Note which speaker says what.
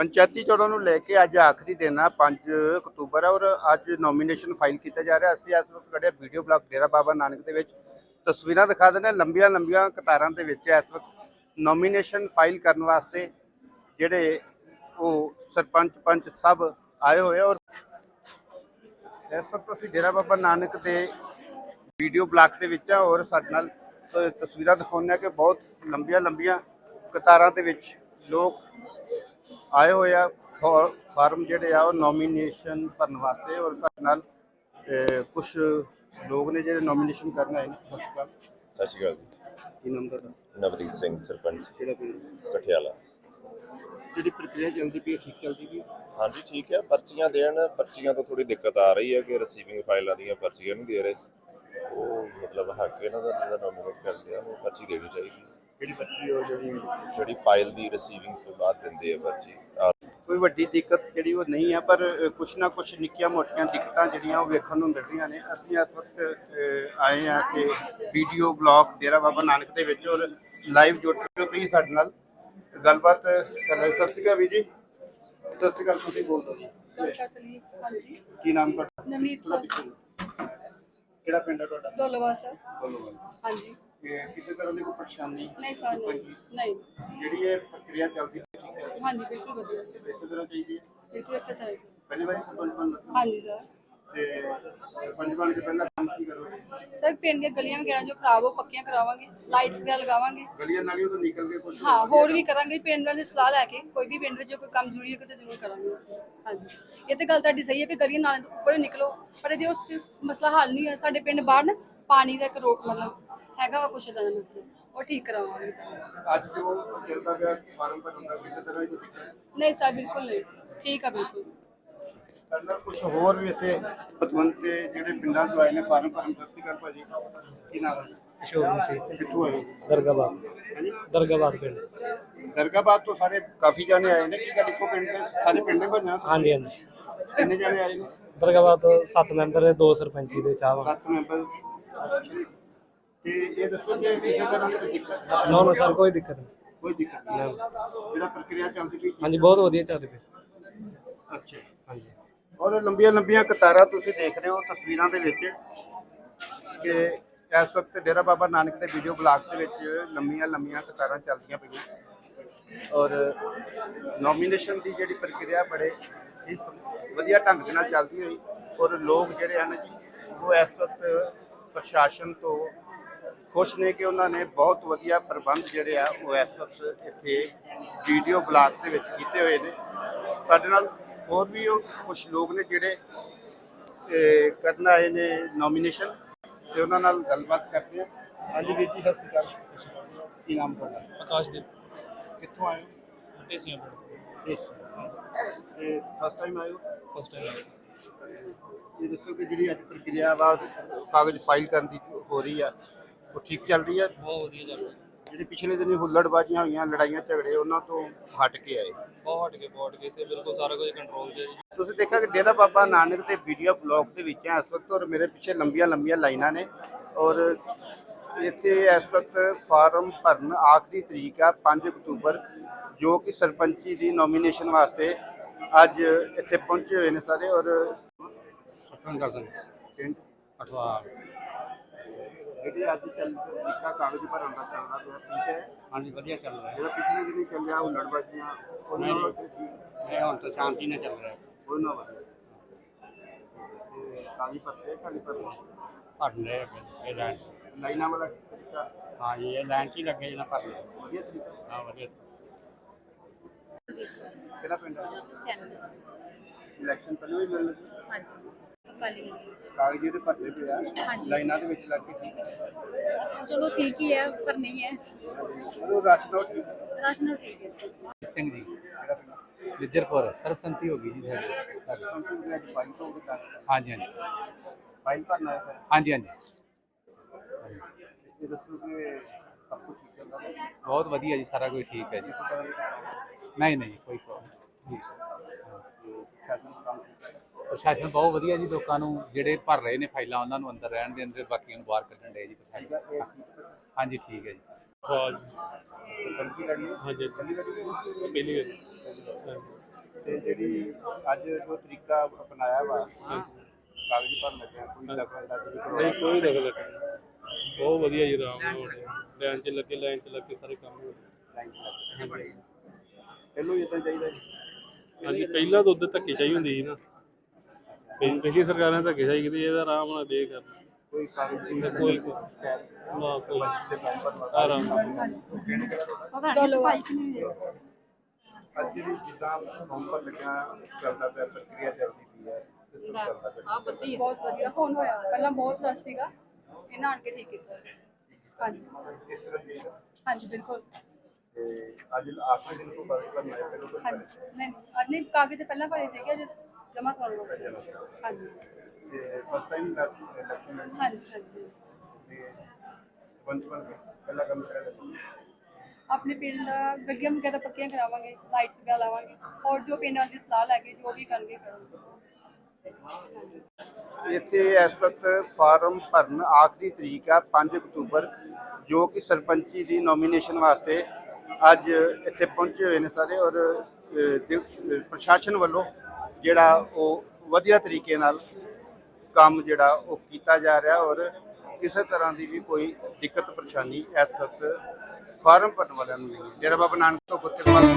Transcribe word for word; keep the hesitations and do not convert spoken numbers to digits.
Speaker 1: पंचायती चोणों ਨੂੰ ਲੈ ਕੇ ਅੱਜ ਆਖਰੀ ਦਿਨ ਆ ਪੰਜ ਅਕਤੂਬਰ ਔਰ ਅੱਜ ਨੋਮੀਨੇਸ਼ਨ ਫਾਈਲ ਕੀਤਾ ਜਾ ਰਿਹਾ। ਅਸੀਂ ਇਸ ਵਕਤ ਖੜੇ ਵੀਡੀਓ ਬਲਾਕ ਡੇਰਾ ਬਾਬਾ ਨਾਨਕ ਦੇ ਵਿੱਚ ਤਸਵੀਰਾਂ ਦਿਖਾ ਦਿੰਦੇ ਹਾਂ। ਲੰਬੀਆਂ ਲੰਬੀਆਂ ਕਤਾਰਾਂ ਦੇ ਵਿੱਚ ਇਸ ਵਕਤ ਨੋਮੀਨੇਸ਼ਨ ਫਾਈਲ ਕਰਨ ਵਾਸਤੇ ਜਿਹੜੇ ਉਹ ਸਰਪੰਚ ਪੰਚ ਸਭ ਆਏ ਹੋਏ ਔਰ ਇਸ ਵਕਤ ਅਸੀਂ ਡੇਰਾ ਬਾਬਾ ਨਾਨਕ ਦੇ ਵੀਡੀਓ ਬਲਾਕ ਦੇ ਵਿੱਚ ਆ ਔਰ ਸਾਡੇ ਨਾਲ ਤਸਵੀਰਾਂ ਦਿਖਾਉਂਦੇ ਕਿ ਬਹੁਤ ਲੰਬੀਆਂ ਲੰਬੀਆਂ ਕਤਾਰਾਂ ਦੇ ਵਿੱਚ ਲੋਕ ਆਏ ਹੋਏ ਆ ਫਾਰਮ ਜਿਹੜੇ ਆ ਉਹ ਨੋਮੀਨੇਸ਼ਨ ਭਰਨ ਵਾਸਤੇ ਔਰ ਸਾਡੇ ਨਾਲ ਕੁਝ ਲੋਕ ਨੇ ਜਿਹੜੇ ਨੋਮੀਨੇਸ਼ਨ ਕਰਨ ਆਏ ਨੇ। ਸਤਿ ਸ਼੍ਰੀ ਅਕਾਲ।
Speaker 2: ਸਤਿ ਸ਼੍ਰੀ ਅਕਾਲ ਜੀ।
Speaker 1: ਕੀ ਨਾਮ ਤੁਹਾਡਾ?
Speaker 2: ਨਵਰੀਤ ਸਿੰਘ, ਸਰਪੰਚ
Speaker 1: ਕਿਹੜਾ ਪਿੰਡ?
Speaker 2: ਕਠਿਆਲਾ।
Speaker 1: ਜਿਹੜੀ ਪ੍ਰਕਿਰਿਆ ਚੱਲਦੀ ਪਈ ਠੀਕ ਚੱਲਦੀ ਪਈ?
Speaker 2: ਹਾਂਜੀ ਠੀਕ ਹੈ। ਪਰਚੀਆਂ ਦੇਣ, ਪਰਚੀਆਂ ਤੋਂ ਥੋੜੀ ਦਿੱਕਤ ਆ ਰਹੀ ਹੈ ਕਿ ਰਿਸੀਵਿੰਗ ਫਾਈਲਾਂ ਦੀਆਂ ਪਰਚੀਆਂ ਨਹੀਂ ਦੇ ਰਹੇ। ਉਹ ਮਤਲਬ ਹੱਕ ਇਹਨਾਂ ਦਾ ਜਿਹੜਾ ਨੋਮੀਨੇਟ ਕਰ ਲਿਆ ਉਹ ਪਰਚੀ ਦੇਣੀ ਚਾਹੀਦੀ।
Speaker 1: ਜਿਹੜੀ ਪਰਚੀ ਉਹ ਜਿਹੜੀ
Speaker 2: ਜਿਹੜੀ ਫਾਈਲ ਦੀ ਰਿਸੀਵਿੰਗ ਤੋਂ ਬਾਅਦ ਦਿੰਦੇ ਆ ਪਰਚੀ।
Speaker 1: ਕੋਈ ਵੱਡੀ ਦਿੱਕਤ ਜਿਹੜੀ ਉਹ ਨਹੀਂ ਆ ਪਰ ਕੁਛ ਨਾ ਕੁਛ ਨਿੱਕੀਆਂ ਮੋਟੀਆਂ ਦਿੱਕਤਾਂ ਜਿਹੜੀਆਂ ਉਹ ਵੇਖਣ ਨੂੰ ਮਿਲ ਰਹੀਆਂ ਨੇ। ਅਸੀਂ ਇਸ ਵਕਤ ਆਏ ਹਾਂ ਕਿ ਵੀਡੀਓ ਬਲਾਕ ਡੇਰਾ ਬਾਬਾ ਨਾਨਕ ਦੇ ਵਿੱਚ ਔਰ ਲਾਈਵ ਜੁੜ ਚੁੱਕੇ ਤੁਸੀਂ ਸਾਡੇ ਨਾਲ ਗੱਲਬਾਤ ਕਰ ਰਹੇ। ਸਤਿ ਸ਼੍ਰੀ ਅਕਾਲ ਵੀ ਜੀ। ਸਤਿ ਸ਼੍ਰੀ ਅਕਾਲ। ਤੁਸੀਂ ਬੋਲ ਦਿਓ ਜੀ। ਕੀ ਨਾਮ ਤੁਹਾਡਾ?
Speaker 3: ਨਵਨੀਤ ਕੌਰ।
Speaker 1: ਕਿਹੜਾ ਪਿੰਡ ਹੈ ਤੁਹਾਡਾ?
Speaker 3: ਦੋਲਵਾ ਸਰ।
Speaker 1: ਦੋਲਵਾ।
Speaker 3: ਹਾਂਜੀ।
Speaker 1: ਕਿਸੇ ਤਰ੍ਹਾਂ ਦੀ ਕੋਈ ਪਰੇਸ਼ਾਨੀ
Speaker 3: ਨਹੀਂ ਸਰ, ਨਹੀਂ ਨਹੀਂ।
Speaker 1: ਜਿਹੜੀ ਇਹ ਪ੍ਰਕਿਰਿਆ ਚੱਲਦੀ ਹੈ ਠੀਕ ਹੈ?
Speaker 3: ਹਾਂਜੀ ਬਿਲਕੁਲ ਵਧੀਆ।
Speaker 1: ਇਸੇ ਤਰ੍ਹਾਂ ਚਾਹੀਦੀ ਹੈ?
Speaker 3: ਬਿਲਕੁਲ ਇਸੇ ਤਰ੍ਹਾਂ ਹੀ।
Speaker 1: ਪਹਿਲੀ ਵਾਰੀ ਸਰਪੰਚ ਬਣ ਲੱਗਾ?
Speaker 3: ਹਾਂਜੀ ਸਰ।
Speaker 1: ਤੇ ਸਰਪੰਚ ਬਣ ਕੇ ਪਹਿਲਾਂ ਕੰਮ ਕੀ ਕਰੋਗੇ?
Speaker 3: ਸਰ ਪਿੰਡ ਦੀਆਂ ਗਲੀਆਂ ਵਗੈਰਾ ਜੋ ਖਰਾਬ ਹੋ ਪੱਕੀਆਂ ਕਰਾਵਾਂਗੇ, ਲਾਈਟਸ ਵਗੈਰਾ ਲਗਾਵਾਂਗੇ।
Speaker 1: ਗਲੀਆਂ ਨਾਲੀਆਂ ਤੋਂ ਨਿਕਲ ਕੇ ਕੁਝ
Speaker 3: ਹਾਂ ਹੋਰ ਵੀ ਕਰਾਂਗੇ। ਪਿੰਡ ਵਾਲੇ ਸਲਾਹ ਲੈ ਕੇ ਕੋਈ ਵੀ ਪਿੰਡ ਵਿੱਚ ਕੋਈ ਕੰਮ ਜ਼ਰੂਰੀ ਹੈ ਤਾਂ ਜ਼ਰੂਰ ਕਰਾਂਗੇ ਅਸੀਂ। ਹਾਂਜੀ ਇਹ ਤਾਂ ਗੱਲ ਤੁਹਾਡੀ ਸਹੀ ਹੈ ਕਿ ਗਲੀਆਂ ਨਾਲੀਆਂ ਤੋਂ ਉੱਪਰ ਨਿਕਲੋ, ਪਰ ਜੇ ਉਸ ਮਸਲਾ ਹੱਲ ਨਹੀਂ ਹੋਇਆ ਸਾਡੇ ਪਿੰਡ ਬਾਹਰ ਨਾ ਪਾਣੀ ਦਾ ਇੱਕ ਰੋਕ ਮਤਲਬ ਹੈਗਾ ਵਾ ਕੁਛ ਇੱਦਾਂ ਦਾ ਮਸਲਾ, ਉਹ ਠੀਕ ਕਰਾਵਾਂਗੇ।
Speaker 1: ਅੱਜ ਜੋ ਚੱਲਦਾ ਪਿਆ ਫਾਰਮ ਭਰਨ ਦਾ ਕਿਸੇ ਤਰ੍ਹਾਂ ਦੀ ਦਿੱਕਤ
Speaker 3: ਨਹੀਂ ਸਰ ਬਿਲਕੁਲ ਨਹੀਂ, ਠੀਕ ਆ ਬਿਲਕੁਲ।
Speaker 1: ਕਰਨਾ ਕੁਝ ਹੋਰ ਵੀ ਇੱਥੇ ਪਤਵੰਤ ਤੇ ਜਿਹੜੇ ਪਿੰਡਾਂ ਤੋਂ ਆਏ ਨੇ ਫਾਰਮ ਭਰਨ। ਸਤਿ ਸ਼੍ਰੀ ਅਕਾਲ ਭਾਜੀ। ਕੀ ਨਾਮ ਹੈ ਜੀ?
Speaker 4: ਅਸ਼ੋਕ ਮਸੀਹ।
Speaker 1: ਕਿੱਥੋਂ ਆਏ?
Speaker 4: ਦਰਗਾਬਾਦ।
Speaker 1: ਹਾਂਜੀ
Speaker 4: ਦਰਗਾਬਾਦ ਪਿੰਡ।
Speaker 1: ਦਰਗਾਬਾਦ ਤੋਂ ਸਾਰੇ ਕਾਫੀ ਜਾਣੇ ਆਏ ਨੇ। ਕੀ ਗੱਲ ਇੱਕੋ ਪਿੰਡ ਦੇ ਸਾਰੇ ਪਿੰਡ ਦੇ ਬਣਿਆ?
Speaker 4: ਹਾਂਜੀ ਹਾਂਜੀ।
Speaker 1: ਕਿੰਨੇ ਜਾਣੇ ਆਏ ਨੇ?
Speaker 4: ਦਰਗਾਬਾਦ ਤੋਂ ਸੱਤ ਮੈਂਬਰ ਦੇ, ਦੋ ਸਰਪੰਚੀ ਦੇ ਚਾਹ।
Speaker 1: ਸੱਤ ਮੈਂਬਰ। ਤੇ ਇਹ ਦੱਸੋ ਕਿ ਕਿਸੇ ਤਰ੍ਹਾਂ ਦੀ ਦਿੱਕਤ?
Speaker 4: ਨੋ ਨੋ ਸਰ ਕੋਈ ਦਿੱਕਤ ਨਹੀਂ।
Speaker 1: ਕੋਈ ਦਿੱਕਤ ਨਹੀਂ। ਜਿਹੜਾ ਪ੍ਰਕਿਰਿਆ ਚੱਲਦੀ ਪਈ?
Speaker 4: ਹਾਂਜੀ ਬਹੁਤ ਵਧੀਆ ਚੱਲ ਰਹੀ।
Speaker 1: ਅੱਛਾ।
Speaker 4: ਹਾਂਜੀ
Speaker 1: ਔਰ ਲੰਬੀਆਂ ਲੰਬੀਆਂ ਕਤਾਰਾਂ ਤੁਸੀਂ ਦੇਖ ਰਹੇ ਹੋ ਤਸਵੀਰਾਂ ਦੇ ਵਿੱਚ ਕਿ ਇਸ ਵਕਤ ਡੇਰਾ ਬਾਬਾ ਨਾਨਕ ਦੇ ਵੀਡੀਓ ਬਲਾਕ ਦੇ ਵਿੱਚ ਲੰਬੀਆਂ ਲੰਬੀਆਂ ਕਤਾਰਾਂ ਚੱਲਦੀਆਂ ਪਈਆਂ ਔਰ ਨੋਮੀਨੇਸ਼ਨ ਦੀ ਜਿਹੜੀ ਪ੍ਰਕਿਰਿਆ ਬੜੇ ਹੀ ਵਧੀਆ ਢੰਗ ਦੇ ਨਾਲ ਚੱਲਦੀ ਹੋਈ ਔਰ ਲੋਕ ਜਿਹੜੇ ਹਨ ਜੀ ਉਹ ਇਸ ਵਕਤ ਪ੍ਰਸ਼ਾਸਨ ਤੋਂ ਖੁਸ਼ ਨੇ ਕਿ ਉਹਨਾਂ ਨੇ ਬਹੁਤ ਵਧੀਆ ਪ੍ਰਬੰਧ ਜਿਹੜੇ ਆ ਉਹ ਇਸ ਵਕਤ ਇੱਥੇ ਵੀਡੀਓ ਬਲਾਕ ਦੇ ਵਿੱਚ ਕੀਤੇ ਹੋਏ ਨੇ। ਸਾਡੇ ਨਾਲ ਹੋਰ ਵੀ ਉਹ ਕੁਛ ਲੋਕ ਨੇ ਜਿਹੜੇ ਕਰਨ ਆਏ ਨੇ ਨੋਮੀਨੇਸ਼ਨ ਤੇ ਉਹਨਾਂ ਨਾਲ ਗੱਲਬਾਤ ਕਰਦੇ ਆ। ਹਾਂਜੀ ਵੀਰ ਜੀ ਸਤਿ ਸ਼੍ਰੀ ਅਕਾਲ। ਕੀ ਨਾਮ ਤੁਹਾਡਾ?
Speaker 4: ਆਕਾਸ਼ਦੀਪ।
Speaker 1: ਕਿੱਥੋਂ ਆਏ ਹੋ?
Speaker 4: ਢੇਸੀਆਂ ਪਿੰਡ।
Speaker 1: ਤੇ ਫਸਟ ਟਾਈਮ ਆਏ ਹੋ?
Speaker 4: First time.
Speaker 1: ਇਹ ਦੱਸੋ ਕਿ ਜਿਹੜੀ ਅੱਜ ਪ੍ਰਕਿਰਿਆ ਵਾ ਕਾਗਜ਼ ਫਾਈਲ ਕਰਨ ਦੀ ਹੋ ਰਹੀ ਆ ਉਹ ਠੀਕ ਚੱਲ ਰਹੀ ਆ?
Speaker 4: ਬਹੁਤ ਵਧੀਆ ਚੱਲ ਰਿਹਾ।
Speaker 1: ਜਿਹੜੇ ਪਿਛਲੇ ਦਿਨੀ ਹੁੱਲੜਬਾਜ਼ੀਆਂ ਹੋਈਆਂ, ਲੜਾਈਆਂ ਝਗੜੇ, ਉਹਨਾਂ ਤੋਂ ਹਟ ਕੇ ਆਏ?
Speaker 4: ਬਹੁਤ ਹਟ ਕੇ ਬਹੁਤ ਕੇ ਤੇ ਬਿਲਕੁਲ ਸਾਰਾ ਕੁਝ ਕੰਟਰੋਲ 'ਚ ਹੈ ਜੀ।
Speaker 1: ਤੁਸੀਂ ਦੇਖਿਆ ਕਿ ਡੇਰਾ ਬਾਬਾ ਨਾਨਕ ਦੇ ਵੀਡੀਓ ਬਲਾਕ ਦੇ ਵਿੱਚ ਇਸ ਵਕਤ ਔਰ ਮੇਰੇ ਪਿੱਛੇ ਲੰਬੀਆਂ ਲੰਬੀਆਂ ਲਾਈਨਾਂ ਨੇ ਔਰ ਇੱਥੇ ਇਸ ਵਕਤ ਫਾਰਮ ਭਰਨ ਆਖਰੀ ਤਰੀਕ ਆ ਪੰਜ ਅਕਤੂਬਰ ਜੋ ਕਿ ਸਰਪੰਚੀ ਦੀ ਨੋਮੀਨੇਸ਼ਨ ਵਾਸਤੇ ਅੱਜ ਇੱਥੇ ਪਹੁੰਚੇ ਹੋਏ ਨੇ ਸਾਰੇ। ਔਰ ਪਿੰਡ
Speaker 4: ਅਠਵਾਲ
Speaker 1: ਜਿਹੜੀ ਅੱਜ ਚੱਲ ਰਿਹਾ ਕਾਗਜ਼ ਭਰਨ ਦਾ ਚੱਲਦਾ ਪਿਆ ਠੀਕ ਹੈ?
Speaker 4: ਹਾਂਜੀ ਵਧੀਆ ਚੱਲ ਰਿਹਾ।
Speaker 1: ਜਿਹੜਾ ਪਿਛਲੇ ਦਿਨੀ ਚੱਲਿਆ ਹੁੱਲੜਬਾਜ਼ੀਆਂ ਉਹਨਾਂ ਨਾਲ
Speaker 4: ਇਹ ਹੁਣ ਤਾਂ ਸ਼ਾਂਤੀ ਨਾਲ ਚੱਲ ਰਿਹਾ।
Speaker 1: ਉਹਨਾਂ ਵਧੀਆ ਤੇ ਕਾਗਜ਼ ਭਰਤੇ ਖਾਲੀ ਭਰਨਾ
Speaker 4: ਭਰ ਲੈ ਇਹ ਲਾਈਨ।
Speaker 1: ਲਾਈਨਾਂ ਵਾਲਾ ਤਰੀਕਾ?
Speaker 4: ਹਾਂ ਜੀ ਇਹ ਲਾਈਨ 'ਚ ਹੀ ਲੱਗੇ ਜਿਹਨਾਂ ਭਰ ਲਿਆ।
Speaker 1: ਵਧੀਆ ਤਰੀਕਾ?
Speaker 4: ਹਾਂ ਵਧੀਆ।
Speaker 1: ਕਿਹੜਾ ਪਿੰਡ ਹੈ? ਇਲੈਕਸ਼ਨ ਪਹਿਲਾਂ ਵੀ ਮਿਲ ਲੱਗੀ?
Speaker 3: ਹਾਂਜੀ ਅਕਾਲੀ
Speaker 1: ਕਾਗਜ਼ ਜਿਹੜੇ ਭਰਦੇ ਪਏ ਆ ਲਾਈਨਾਂ ਦੇ ਵਿੱਚ ਲੱਗ ਕੇ ਠੀਕ ਹੈ?
Speaker 3: ਚਲੋ ਠੀਕ ਹੀ ਹੈ ਪਰ ਨਹੀਂ ਹੈ।
Speaker 1: ਉਹ ਰਾਸ਼ਨ ਉਹ ਠੀਕ ਹੈ?
Speaker 3: ਰਾਸ਼ਨ ਠੀਕ ਹੈ।
Speaker 4: ਸਿੰਘ ਜੀ
Speaker 1: ਕਿਹੜਾ ਪਿੰਡ?
Speaker 4: ਵਿਜਰਪੁਰ ਸਰਬਸੰਮਤੀ ਹੋ ਗਈ ਜੀ ਸਾਡੀ।
Speaker 1: ਕੰਪਿਊਟਰ ਦੇ ਅੱਜ ਫਾਈਲ ਤੋਂ ਉਹ ਦੱਸ
Speaker 4: ਹਾਂਜੀ ਹਾਂਜੀ
Speaker 1: ਫਾਈਲ ਭਰਨਾ ਹੈ ਫਿਰ?
Speaker 4: ਹਾਂਜੀ ਹਾਂਜੀ
Speaker 1: ਇਹ ਦੱਸੋ ਕਿ ਸਭ ਕੁਝ ਠੀਕ ਚੱਲਦਾ ਹੈ?
Speaker 4: ਬਹੁਤ ਵਧੀਆ ਜੀ, ਸਾਰਾ ਕੁਝ ਠੀਕ ਹੈ ਜੀ।
Speaker 1: ਕਿਸੇ ਤਰ੍ਹਾਂ ਦੀ
Speaker 4: ਨਹੀਂ ਨਹੀਂ ਕੋਈ ਪ੍ਰੋਬਲਮ ਜੀ।
Speaker 1: ਸ਼ਾਸਨ ਕੰਮ ਕੀਤਾ ਹੈ?
Speaker 4: ਪ੍ਰਸ਼ਾਸਨ ਬਹੁਤ ਵਧੀਆ ਜੀ, ਲੋਕਾਂ ਨੂੰ ਜਿਹੜੇ ਭਰ ਰਹੇ ਨੇ ਫਾਈਲਾਂ ਉਹਨਾਂ ਨੂੰ ਅੰਦਰ ਰਹਿਣ ਦੇਣ ਤੇ ਬਾਕੀਆਂ ਨੂੰ ਬਾਹਰ ਕੱਢਣ ਦੇ ਜੀ ਪ੍ਰਸ਼ਾਸਨ। ਹਾਂਜੀ ਠੀਕ ਹੈ ਜੀ।
Speaker 1: ਸਰਪੰਚੀ ਲੜੀ ਹੈ?
Speaker 5: ਹਾਂਜੀ
Speaker 1: ਪਹਿਲੀ ਵਾਰੀ ਹੋਈ?
Speaker 5: ਪਹਿਲੀ ਵਾਰੀ
Speaker 1: ਤੇ ਜਿਹੜੀ ਅੱਜ ਜੋ ਤਰੀਕਾ ਅਪਣਾਇਆ ਵਾ ਕਾਗਜ਼ ਭਰਨ ਲੱਗਿਆ, ਕੋਈ ਦਖਲ ਅੰਦਾਜ਼ੀ ਨਹੀਂ
Speaker 5: ਨਹੀਂ ਕੋਈ ਦਖਲ ਨਹੀਂ, ਬਹੁਤ ਵਧੀਆ ਜੀ, ਆਰਾਮ ਨਾਲ ਹੋ ਰਿਹਾ, ਲਾਈਨ 'ਚ ਲੱਗੇ ਲਾਈਨ 'ਚ ਲੱਗ ਕੇ ਸਾਰੇ ਕੰਮ ਹੋ ਰਹੇ।
Speaker 1: ਇਹਨੂੰ ਇਦਾਂ ਚਾਹੀਦਾ ਜੀ।
Speaker 5: ਹਾਂਜੀ ਪਹਿਲਾਂ ਤਾਂ ਉਦੋਂ ਧੱਕੇਸ਼ਾਹੀ ਹੁੰਦੀ ਸੀ ਨਾ, ਪਹਿ- ਪਿਛਲੀ ਸਰਕਾਰਾਂ ਨੇ ਧੱਕੇਸ਼ਾਹੀ ਕੀਤੀ, ਇਹਦਾ ਆਰਾਮ ਨਾਲ ਦੇ ਕਰ
Speaker 1: ਕੋਈ ਕਾਗਜ਼
Speaker 5: ਕੋਈ
Speaker 1: ਨਹੀਂ
Speaker 5: ਕੋਈ
Speaker 1: ਖੈਰ
Speaker 5: ਨਾ ਕੋਈ
Speaker 1: ਤੇ ਮੈਂਬਰ ਵਾ।
Speaker 5: ਆਰਾਮ ਨਾਲ।
Speaker 1: ਅੱਜ ਜਿਹੜੀ ਜਿੱਦਾਂ ਨਵੰਬਰ ਲੱਗਿਆ ਚੱਲਦਾ ਪਿਆ, ਪ੍ਰਕਿਰਿਆ ਚੱਲਦੀ ਪਈ ਹੈ, ਸਿਸਟਮ ਚੱਲਦਾ ਪਿਆ।
Speaker 3: ਬਹੁਤ ਵਧੀਆ ਹੁਣ ਹੋਇਆ, ਪਹਿਲਾਂ ਬਹੁਤ ਰਸ਼ ਸੀਗਾ, ਇਹਨਾਂ ਆਣ ਕੇ ਠੀਕ ਕੀਤਾ। ਹਾਂਜੀ
Speaker 1: ਇਸ ਤਰ੍ਹਾਂ ਦੀ
Speaker 3: ਹਾਂਜੀ ਬਿਲਕੁਲ।
Speaker 1: ਤੇ ਅੱਜ ਆਖਰੀ ਦਿਨ ਤੋਂ ਬਾਅਦ ਕਰਨਾ ਹੈ ਫਿਰ ਉਹ
Speaker 3: ਹਾਂਜੀ ਨਹੀਂ ਅੱਜ ਨਹੀਂ, ਕਾਗਜ਼ ਤੇ ਪਹਿਲਾਂ ਭਰੇ ਸੀਗੇ, ਅੱਜ ਜਮ੍ਹਾਂ ਕਰਾਉਣਾ ਸੀ। ਹਾਂਜੀ
Speaker 1: ਤੇ ਫਸਟ ਟਾਈਮ ਇਲੈਕਸ਼ਨ ਲੜੀ
Speaker 3: ਹਾਂਜੀ ਹਾਂਜੀ।
Speaker 1: ਤੇ ਪੰਚ ਬਣ ਕੇ ਪਹਿਲਾ ਕੰਮ ਕਰਿਆ ਜਾਂਦਾ।
Speaker 3: ਆਪਣੇ ਪਿੰਡ ਗਲੀਆਂ ਵਗੈਰਾ ਪੱਕੀਆਂ ਕਰਾਵਾਂਗੇ, ਲਾਈਟਸ ਵਗੈਰਾ ਲਾਵਾਂਗੇ, ਔਰ ਜੋ ਪਿੰਡ ਵਾਲੀ ਸਲਾਹ ਲੈ ਕੇ ਜੋ ਵੀ ਕਰਨਗੇ ਕਰਾਂਗੇ।
Speaker 1: ਇੱਥੇ ਇਸ ਵਕਤ ਫਾਰਮ ਭਰਨ ਆਖਰੀ ਤਰੀਕ ਆ ਪੰਜ ਅਕਤੂਬਰ, ਜੋ ਕਿ ਸਰਪੰਚੀ ਦੀ ਨੋਮੀਨੇਸ਼ਨ ਵਾਸਤੇ ਅੱਜ ਇੱਥੇ ਪਹੁੰਚੇ ਹੋਏ ਨੇ ਸਾਰੇ। ਔਰ ਅ, ਦੇ- ਪ੍ਰਸ਼ਾਸਨ ਵੱਲੋਂ ਜਿਹੜਾ ਉਹ ਵਧੀਆ ਤਰੀਕੇ ਨਾਲ ਕੰਮ ਜਿਹੜਾ ਉਹ ਕੀਤਾ ਜਾ ਰਿਹਾ, ਔਰ ਕਿਸੇ ਤਰ੍ਹਾਂ ਦੀ ਵੀ ਕੋਈ ਦਿੱਕਤ ਪਰੇਸ਼ਾਨੀ ਇਸ ਵਕਤ ਫਾਰਮ ਭਰਨ ਵਾਲਿਆਂ ਨੂੰ ਨਹੀਂ ਹੈ। ਡੇਰਾ ਬਾਬਾ ਨਾਨਕ ਤੋਂ ਗੁਰਕਿਰਪਾਲ